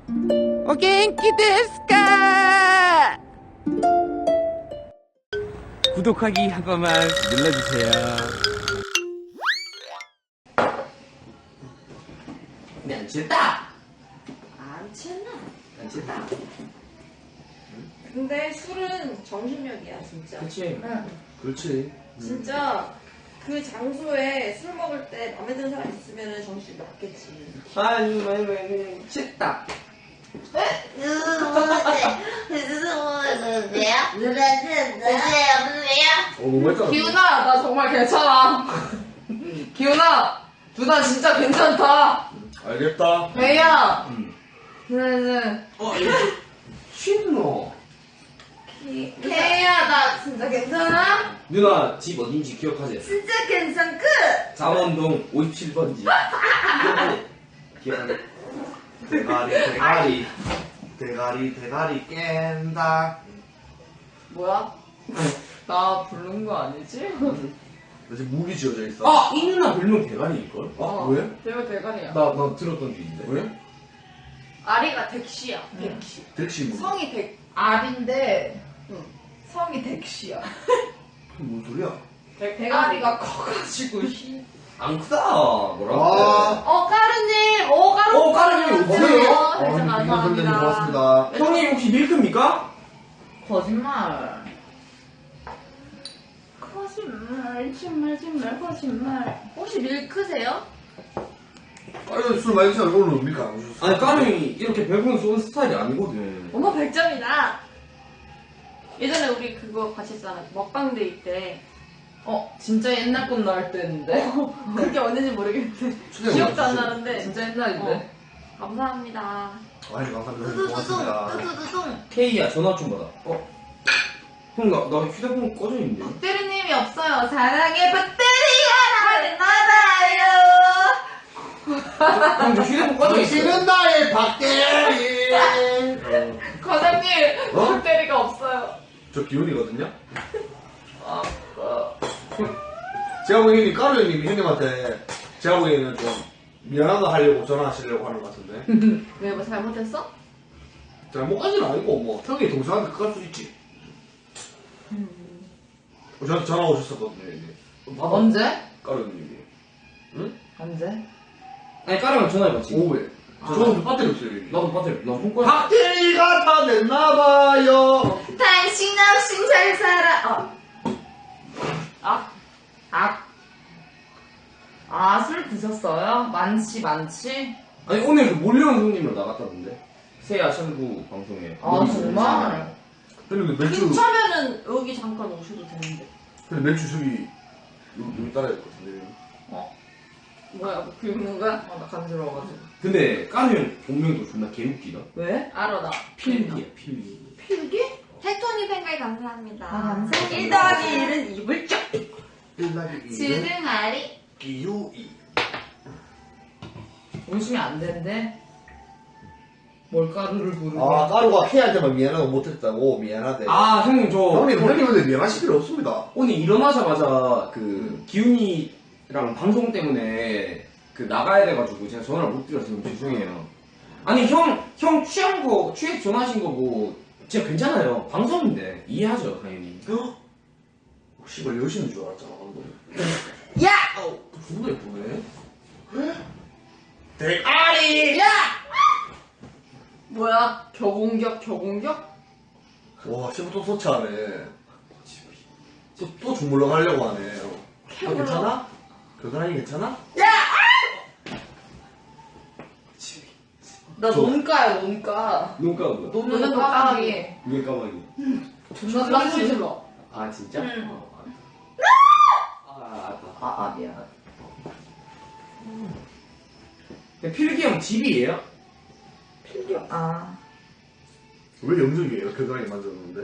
お元気ですか? 구독하기 한 번만 눌러주세요. 네, 안 취했다. 안 취했나? 안 취했다. 근데 술은 정신력이야 진짜. 그치. 응. 그렇지. 진짜 그 장소에 술 먹을 때 마음에 드는 사람 있으면 정신이 났겠지. 아니, 많이 취했다. 너무 했잖아. 기훈아, 나 정말 괜찮아. 기훈아, 누나 진짜 괜찮다. 알겠다. 왜야? 이거 취했노? 걔야, 나 진짜 괜찮아? 누나 집 어딘지 기억하지? 진짜 괜찮그? 잠원동 57번지. 기억하지? 대가리 깬다. 뭐야? 나 부른 거 아니지? 나 지금 목이 지어져 있어. 아! 이 누나 별명 대가리일걸? 아, 왜? 내가 대가리야. 나 들었던 게 있는데. 왜? 아리가 덱시야. 덱시. 덱시 뭐? 성이 덱. 알인데, 응. 성이 덱시야. 뭔 소리야? 대가리가 커가지고, 안 크다. 뭐라고? 아. 까르님! 까르님 오세요. 진짜 선생님 감사합니다. 고맙습니다. 형님 혹시 밀크입니까? 거짓말. 거짓말. 혹시 밀크세요? 아니, 술 많이 드시면 오늘 밀크 안 오셨어. 아니 까르이 이렇게 배부른 쏘는 스타일이 아니거든. 어머 100점이다. 예전에 우리 그거 같이 했잖아. 먹방데이 때. 진짜 옛날 건 나올 때였는데. 그게 언제인지 모르겠는데. 초대형 기억도 안 어딨어? 나는데. 진짜 옛날인데. 감사합니다. 아니, 감사합니다. 선생님 고맙습니다. 케이야 전화 좀 받아. 형 나 휴대폰 꺼져 있는데. 박대리님이 없어요. 사랑의 박대리가 나를 형 저 휴대폰 꺼져 있어. 당신은 나의 박대리. 과장님, 어? 박대리가 없어요. 저 기훈이거든요. 제가 보기에는 까루 형님이 형님한테 제가 보기에는 좀 미안하다 하려고 전화하시려고 하는 것 같은데. 왜 뭐 잘못했어? 잘못까지는 아니고 뭐 형이 동생한테 그럴 수 있지. 저한테 전화 오셨었거든요. 이제. 언제? 까루 형님이. 응? 언제? 아니 까르면 전화해봤지. 오후에. 저는 배터리 없어요. 여기. 나도 배터리 나폰 꺼. 박대리가 다 됐나봐요. 당신 없인 잘 살아. 술 드셨어요? 많지. 아니 오늘 그 몰려온 손님으로 나갔다던데. 새야 천구 방송에. 정말? 근데 맥주, 근처면은 여기 잠깐 오셔도 되는데. 근데 맥주 저기 여기 따라야 될 것 같은데. 뭐야, 뭐 긁는 거야? 나 간지러워가지고. 근데 까르 형 본명도 존나 개웃기다. 왜? 알아, 나. 필기야 필기. 필기? 텍토니 팬가이 감사합니다. 감사합니다. 1 더하기 1은 입을 쫙. 1-2는 주둥아리. 기우이. 웃으면 안 된대. 뭘가루를 부르고. 까루가 K한테만 미안하고 못했다고 미안하대. 아 형님 저 형님 근데 미안하실 필요 없습니다. 오늘 일어나자마자 그 기훈이랑 방송 때문에 그 나가야 돼가지고 제가 전화를 못 드려서 너무 죄송해요. 아니 형 취해서 전화하신 거고 진짜 괜찮아요. 방송인데 이해하죠 당연히. 씨발 여신인 줄 알았잖아 방금. 야! 존나 예쁘네. 대가리! 야! 뭐야? 겨공격? 와 씨발 또 소치하네. 또 주물러 가려고 하네. 너 괜찮아? 겨드랑이 괜찮아? 나 논가야, 논가. 눈 까고 논는 까마귀. 눈 까마귀. 존나 소리 질러. 아 진짜? 응. 알았다. 미안. 근데 필기 형 집이에요? 필기. 왜 영적이에요? 겨드랑이 만졌는데?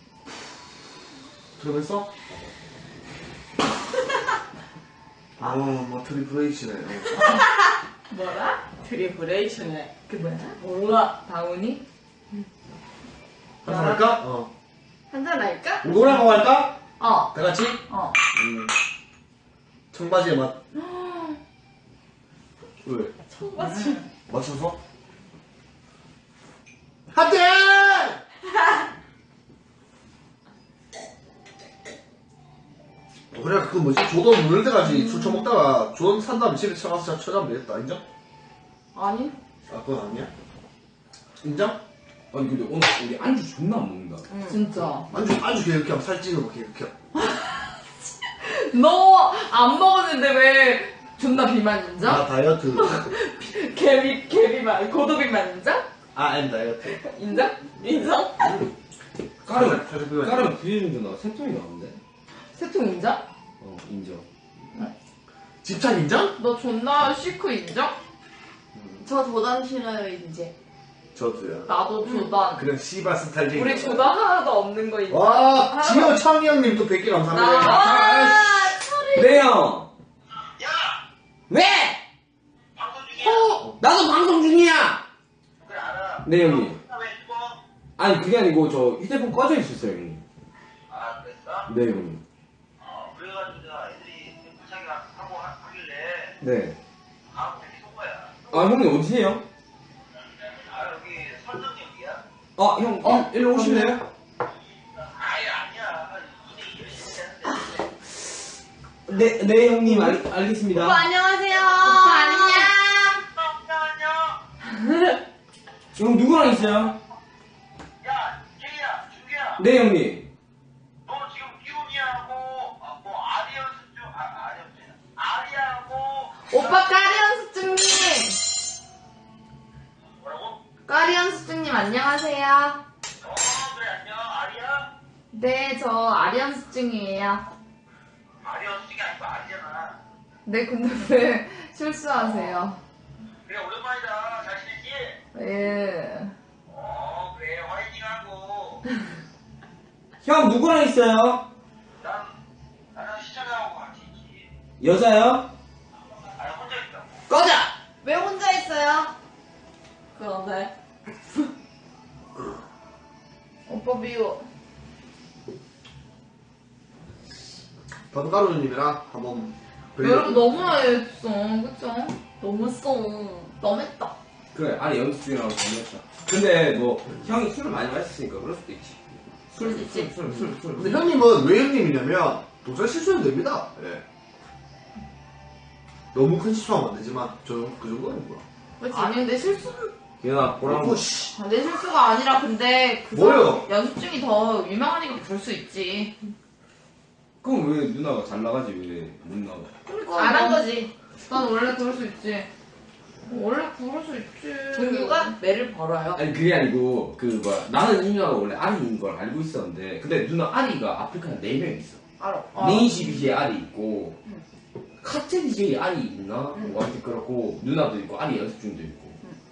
들어갔어? 뭐 트리플 H네. 뭐라? 트리플레이션에. 그 뭐야? 몰라. 다운이? 한잔 할까? 한잔 할까? 노래하고 할까? 어. 다 같이? 어. 청바지의 맛. 왜? 청바지. 맞춰서? 뭐지? 조던 누를 때까지 술 처먹다가 조던 산 다음에 집에 쳐가서 쳐자면 되겠다. 인정? 아니? 아, 그건 아니야? 인정? 아니 근데 오늘 우리 안주 존나 안 먹는다. 진짜. 안주 계획 하면 살찌는 거 계획. 너 안 먹었는데 왜 존나 비만 인정? 나 다이어트. 개비만, 고도비만 인정? 엠 다이어트. 인정? 인정? 까르면 부인주나 세통이 나오는데. 세통 인정? 인정. 집착 인정? 너 존나 시크 인정? 저 도단 싫어요 이제. 저도요. 나도 조단. 그냥 씨발 스타일쟁이. 우리 조단 하나도 없는 거 인정? 와, 지효 창희 형님 또 100개 감사합니다. 네 형. 야! 왜? 방송 중이야? 나도 방송 중이야. 그래 알아. 네 형님. 왜 죽어? 아니 그게 아니고 저 휴대폰 꺼져 있었어요 형님. 아 그랬어? 네 형님. 그래가지고 내가 애들이 부착이가 하고 하길래 네. 아 그렇게 쏜 거야. 아 형님 어디세요? 아 여기 선정역이야? 형 일로 오실래요? 아예 아니야. 2대 2를 했는데. 네 형님 알겠습니다. 오빠 안녕하세요. 오빠 안녕. 안녕. 형 누구랑 있어요? 야 제이야 준규야. 네 형님. 너 지금 기훈이하고 뭐 아리언스 중 아리하고 오빠 까리언 수증님! 뭐라고? 까리언 수증님 안녕하세요. 그래 안녕 아리야? 네, 저 아리언 수증이에요. 아리언스 중이 아니고 아리잖아. 네, 근데 왜 실수하세요? 그래 오랜만이다. 잘 지냈지? 예. 그래 화이팅하고. 형 누구랑 있어요? 나는 시청자하고 같이 있지. 여자요? 아니 혼자 있다고. 꺼져! 왜 혼자 있어요? 그러네. 오빠 미워. 번가루님이랑 한번 여러분 너무나 했어, 그쵸? 너무 썽. 너무했다. 그래 아니 연습 중이라고 정했다. 근데 뭐 형이 술을 많이 마셨으니까 그럴 수도 있지. 그럴 수 있지. 술. 근데 형님은 왜 형님이냐면 도저히 실수해도 됩니다. 예. 너무 큰 실수하면 안 되지만 그 정도는 뭐야. 그치? 아니, 근데 실수는 기현아 보라고. 오씨. 내 실수가 아니라 근데 그 뭐요? 사람 연습 중이 더 유명하니까 그럴 수 있지. 그럼 왜 누나가 잘 나가지 왜 못 나가? 안 한 거지. 난 원래 그럴 수 있지. 원래 그럴 수 있지. 종규가 매를 벌어요. 아니 그게 아니고 그 뭐야 나는 이 누나가 원래 아리인 걸 알고 있었는데 근데 누나 아리가 아프리카에 4명 있어. 알아. 네이시 BJ 아리 있고 카트 BJ 아리 있나? 뭐 하여튼 그렇고 누나도 있고 아리 연습 중도 있고.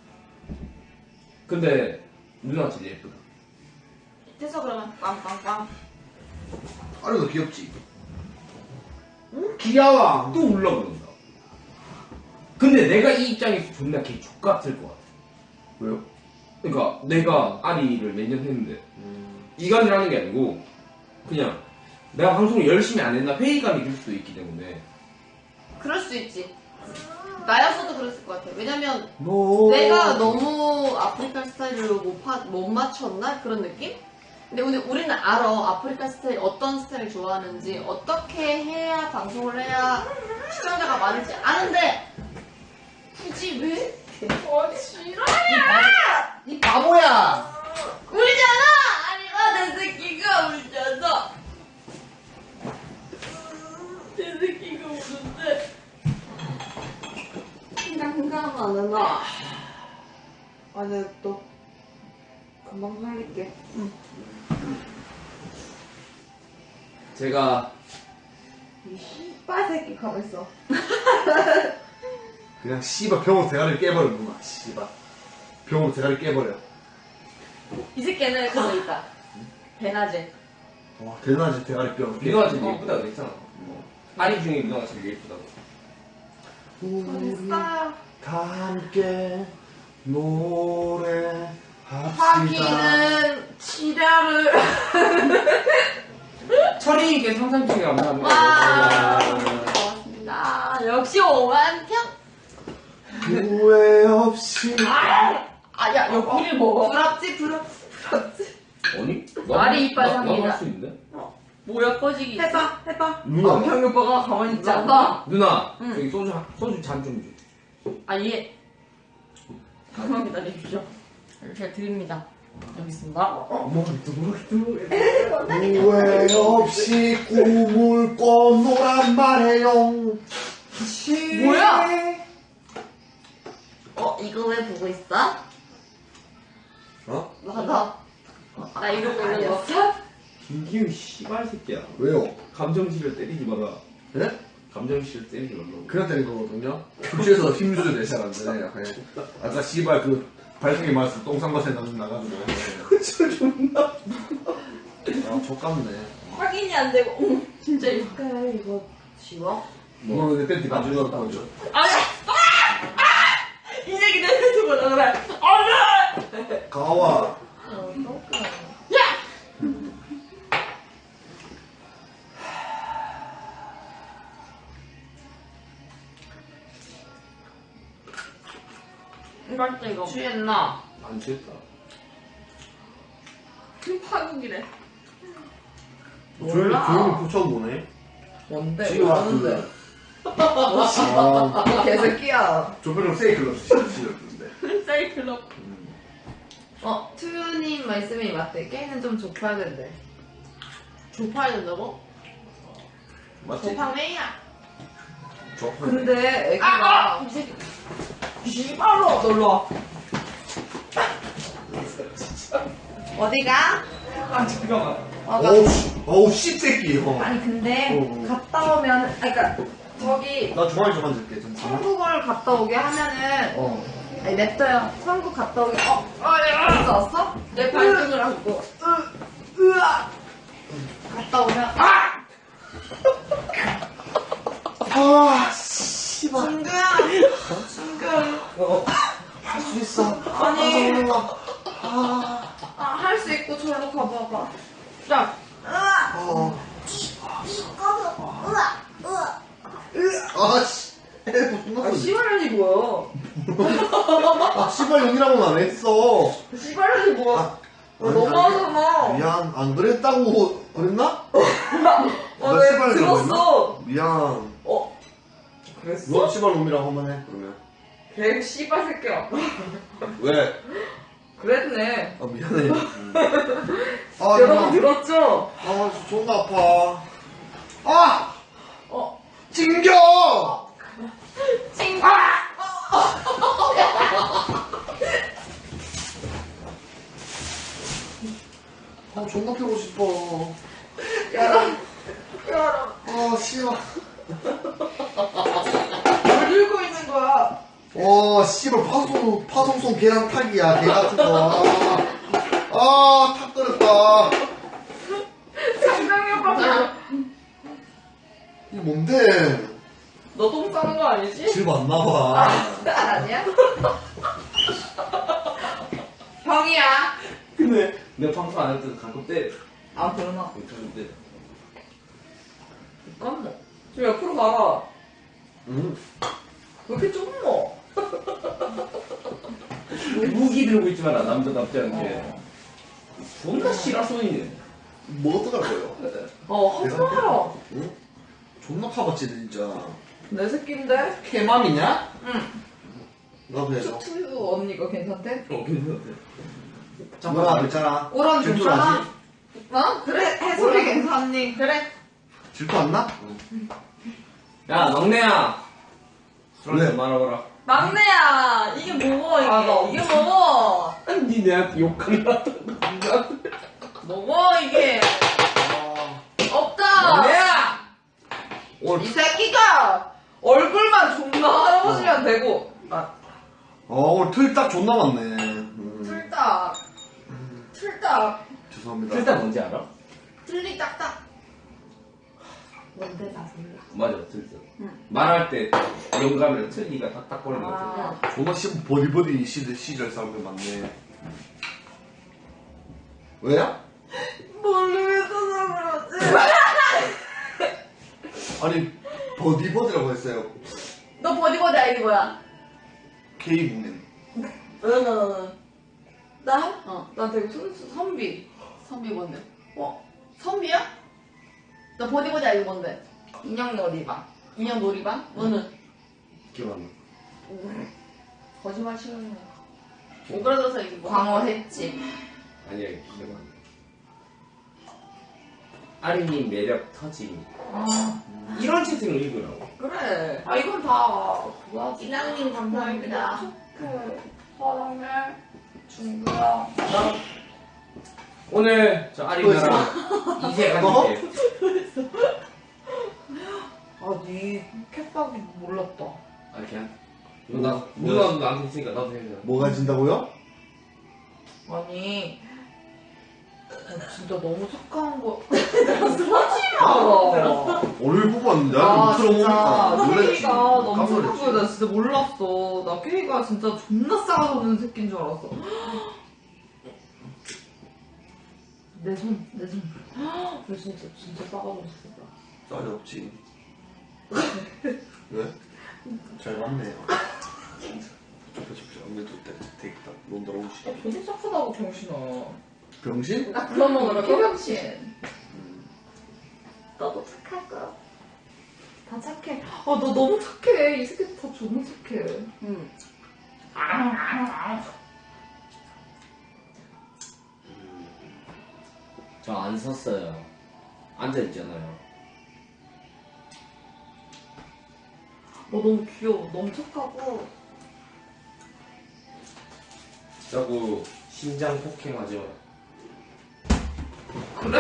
근데 누나가 제일 예쁘다. 밑에서 그러면 빵빵빵. 아리도 귀엽지? 응? 귀여워. 또 올라오는다. 근데 내가 이 입장에서 존나 개 족같을 것 같아. 왜요? 그러니까 내가 아리를 몇 년 했는데 이간이라는 게 아니고 그냥 내가 방송을 열심히 안 했나 회의감이 들 수도 있기 때문에. 그럴 수 있지. 나였어도 그랬을 것 같아. 왜냐면 뭐 내가 너무 아프리카 스타일을 못 맞췄나? 그런 느낌? 근데 우리는 알아. 아프리카 스타일, 어떤 스타일을 좋아하는지, 어떻게 해야 방송을 해야 시청자가 많을지 아는데, 굳이 왜? 싫어. 이 바보야! 울잖아! 아니가 내 새끼가 울잖아. 내 새끼가 우는데. 생각하면 나. 아, 내가 너 금방 살릴게. 제가 이 씨발 새끼 가만있어. 그냥 씨발 병으로 대가리를 깨버리는구나. 씨발. 병으로 대가리 깨버려. 이 새끼는 그거 있다. 배나제. 와, 대단하지 대가리 뼈. 누나가 제일 예쁘다고 그랬잖아. 아리 중에 누나가 제일 예쁘다고. 우리 됐어요. 다 함께 노래합시다. 하기는 치료를. 철이님께 상상중에 감사합니다. 와. 고맙습니다. 역시 5만 평. 후회 없이. 아야 여기를 먹어. 부럽지. 아니? 아리 이빨 나도 상이다. 할 수 있는데? 뭐야 꺼지기 있어? 해봐. 누나. 경이 오빠가 가만히 있지 않아. 누나 응. 저기 소주 잔 좀 줘. 아 예. 잠깐만 기다려주죠. 제가 드립니다. 여기 있습니다. 후회 없이 꿈을 꿔노란 말해요. 뭐야? 이거 왜 보고 있어? 어? 맞아. 나 이러고 있는 거. 김기훈 씨발 새끼야. 왜요? 감정실을 때리지 마라. 예? 감정실을 때리지 말라고. 그냥 때린 거거든요. 교실에서 힘주도 내잘 안 되네. 약간 아까 씨발 그 발등에 맞아서 똥상맛에 나가지고. 저 존나. 아 족같네. 확인이 안 되고. 진짜 이거 이거 지워? 뭐 내 팬티 가져갈 거죠. 이 얘기 내 유튜브 나가라. 가와. 맛있다 이거. 취했나? 안 취했다. 파국이래. 몰라. 조용히 붙여보네. 뭔데? 지금 뭐하는데? 아, 너 개새끼야. 조표정 세이클럽 시켰는데. 사이클럽. 투유님 말씀이 맞대. 게임은 좀 좁혀야 된대. 좁아야 된다고? 맞지? 좁팡매야. 근데 애기가 씨발로 놀러 와. 어디가? 아 잠깐만. 어우 씹새끼. 아니 근데 갔다 오면 그러니까 저기 나 중앙에 좀 앉을게. 잠시만. 천국을 갔다 오게 하면은 어. 아니 냅둬요. 천국 갔다 오게 벌써 왔어? 내 발등을 안고. 으아 갔다 오면 아, 씨발. 승규야 승규 할 수 있어. 아니 할 수 있고 저로 가봐봐. 자. 어. 아, 씨. 무슨 씨발년이 뭐야? 아, 씨발 용이라고는 안 했어. 씨발년이 뭐야? 아, 너무하잖아. 미안, 안 그랬다고 그랬나? 아, 나 왜 씨발 들었어? 미안. 그랬어? 너 씨발 놈이라고 한번 해, 그러면. 걔 씨발 새끼야. 왜? 그랬네. 아, 미안해. 아, 여러분 누나. 들었죠? 아, 존나 아파. 아! 찡겨! 찡겨! 아, 존나 펴고 싶어. 열어. 아, 씨발. 뭘 들고 있는 거야? 씨발, 파송송 계란 탁이야, 개 같은 거. 아, 탁 끓였다. 장정이 오빠 봐. 이게 뭔데? 너 똥 싸는 거 아니지? 집 안 나와. 아니야? 형이야. 근데 내가 방송 안 할 때도 가끔 때려. 아 그러나. 가끔 때려. 잠깐만. 저 옆으로 가라. 응? 왜 이렇게 좁노? 무기 들고 있지 마라 남자답지 않게. 존나 씨라 소리네. 뭐 어떡할 거예요? 하지 마라. 응? 존나 파봤지, 진짜. 내 새끼인데? 개맘이냐? 응. 나도 해서. 투투 언니가 괜찮대? 괜찮대. 누나, 괜찮아. 오란 질투 괜찮아? 나지? 어? 그래 해솔이 괜찮니? 그래. 질투 안 나? 야 막내야. 술 왜? 한잔 말아봐라. 막내야 이게 뭐고 이게? 아, 이게 뭐고? 니 내한테 욕한다. 뭐고 이게? 없다. 막내야. 이 새끼가 얼굴만 존나 할아버지면 되고. 오늘 틀 딱 존나 많네. 틀딱. 틀딱. 죄송합니다. 일단 뭔지 알아? 틀리 딱딱. 뭔데 다 몰라. 맞아, 틀렸어. 말할 때 영감이랑 틀니가 탁탁거리는 거 같아. 존나 씨 버디버디 시절 사람들 많네. 왜야? 모르겠어서 그러지. 아니 버디버디라고 했어요. 너 버디버디 아이디 뭐야? K국민. 나? 나 되게 선비. 선비 뭔데? 어? 선비야? 너 보디보디 알고 뭔데? 인형 놀이방. 인형 놀이방? 너는? 기억 안 나. 거짓말 치는 거. 오그라들어서 이거 뭐? 광어 횟집. 아니야, 기억 안 나. 아린님 매력 터짐. 이런 채팅을 읽으라고. 그래. 아 이건 다 그거야. 이랑님 감사합니다. 그 사랑해 중구야. 오늘 저 아린이랑 이세 가지게. 아니 캣박이 몰랐다. 아, 그냥? 누나도 나한테 있으니까 나도 해줘. 뭐가 진다고요? 아니 진짜 너무 착한 거. 오늘 보고 왔는데 아 못 들어보니까 진짜 놀랬지. 케이가 너무 깜짝 착한 놀랐지. 거야. 나 진짜 몰랐어. 나 케이가 진짜 존나 싸가지 없는 새끼인 줄 알았어. 내 손. 너 진짜 싸가지 없어. 싸지 없지. 왜? 잘 맞네요. 아무래도 되겠다. 넌 돌아오시. 되게 착하다고 병신아. 병신? 나 그런 거 그러고? 개병신. 너도 착할 거야. 다 착해. 아, 너 너무 착해. 이 새끼 다 존나 착해. 응. 저 안 섰어요. 앉아있잖아요. 너무 귀여워. 너무 착하고. 자꾸 심장 폭행하죠. 그래?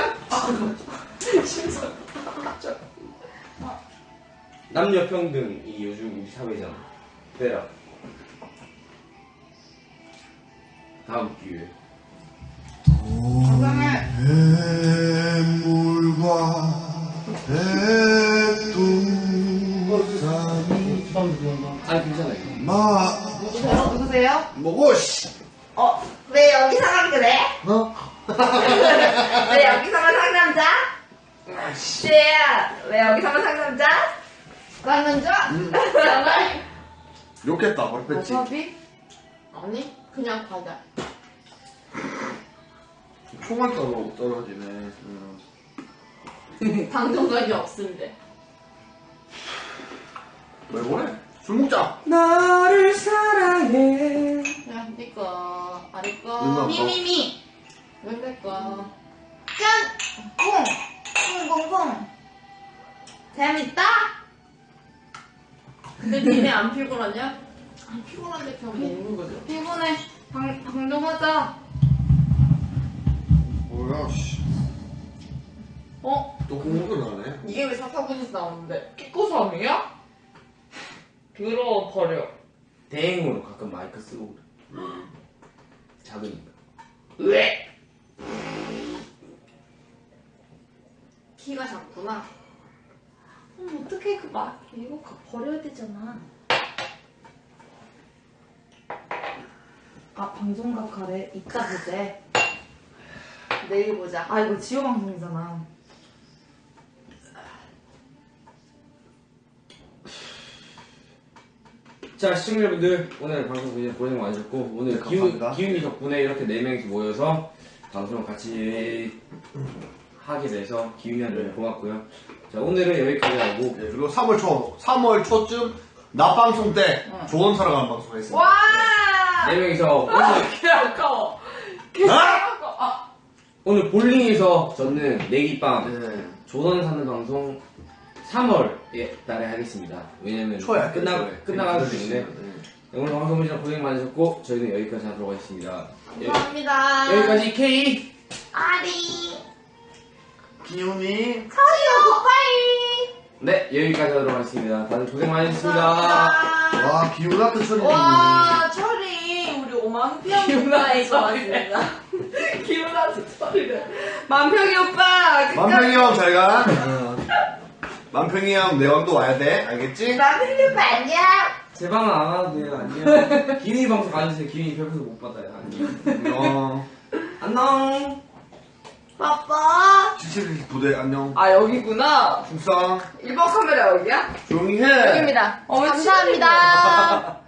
남녀 평등이 요즘 우리 사회잖아. 빼라. 다음 기회. 건강해. 뱀물과 백두산이 아니 괜찮아요. 누구세요? 뭐고 씨. 왜 여기서만 그래? 어? 왜 여기서만 상남자? 쟤야, 왜 여기서만 상남자? 쌍남자? 욕했다 머리 뺐지. 어차피? 아니, 그냥 과자. 총알가루 떨어지네. 방송각이 없는데. 왜 그래? 술 먹자. 나를 사랑해. 야, 네 거, 아래 누나 거, 거. 미미미. 왼발 거. 짠! 쿵! 재밌다? 근데 니네 안 피곤하냐? 안 피곤한데 그냥 먹는 거죠. 피곤해. 방 좀 하자. 뭐야 씨. 어? 또 공부를 하네. 이게 왜 사사구에서 나오는데? 끼꼬삼이야? 들어버려. 대행으로 가끔 마이크 쓰고 그래. 작으니까. 왜? 키가 작구나. 어떡해, 이거 버려야 되잖아. 아, 방송각 가래. 이따 보재. 내일 보자. 아, 이거 지호 방송이잖아. 자, 시청자분들 오늘 방송 고생 많으셨고 오늘 감사합니다. 기훈이 덕분에 이렇게 4명이서 모여서 방송을 같이 하게 돼서 기훈이한테 고맙고요. 자, 오늘은 여기까지 하고 네, 그리고 3월 초쯤 낮방송 때 조언 사러 가는 방송 했습니다. 와! 4명이서 개 아까워. 오늘 볼링에서 저는 내기빵 네. 조던 사는 방송 3월에 달에 하겠습니다. 왜냐면 초야 끝나가기 때문에 오늘 방송 보시느라 고생 많으셨고 저희는 여기까지 하도록 하겠습니다. 감사합니다. 여기까지 K 아리. 기훈이 서요, 굿바이. 네 여기까지 하도록 하겠습니다. 다들 고생 많으셨습니다. 감사합니다. 와 기훈 같은 소리. 와, 철이 우리 5만 평가에 좋았습니다. 기분나서 소리를. 만평이 오빠. 만평이 형 잘 가. 만평이 형 내왕도 와야 돼. 알겠지? 만평이 오빠 안녕. 제 방은 안 와도 돼요. 안녕. 기훈이 방송 가주세요. 기훈이 별표도 못 받아요. 안녕. 안녕. 빠빠. 77 부대 안녕. 아, 여기구나. 충성. 1번 카메라 여기야? 조용히 해. 여기입니다. 왜 감사합니다.